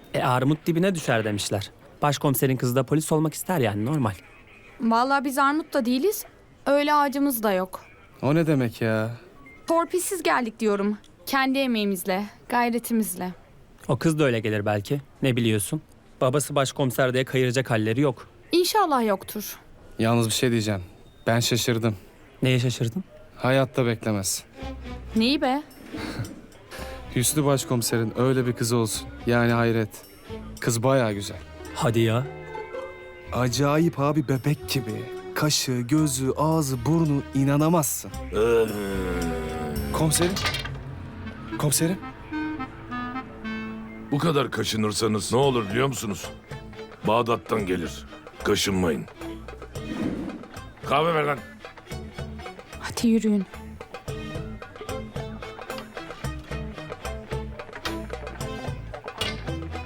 Armut dibine düşer demişler. Başkomiserin kızı da polis olmak ister yani, normal. Vallahi biz armut da değiliz. Öyle ağacımız da yok. O ne demek ya? Torpilsiz geldik diyorum. Kendi emeğimizle, gayretimizle. O kız da öyle gelir belki. Ne biliyorsun? Babası başkomiser diye kayıracak halleri yok. İnşallah yoktur. Yalnız bir şey diyeceğim. Ben şaşırdım. Neye şaşırdın? Hayatta beklemez. Neyi be? Hüsnü başkomiserin öyle bir kızı olsun. Yani hayret. Kız bayağı güzel. Hadi ya. Acayip abi, bebek gibi. Kaşı, gözü, ağzı, burnu, inanamazsın. Komiserim. Komiserim. Bu kadar kaşınırsanız ne olur biliyor musunuz? Bağdat'tan gelir. Kaşınmayın. Kahve ver lan. Hadi yürüyün.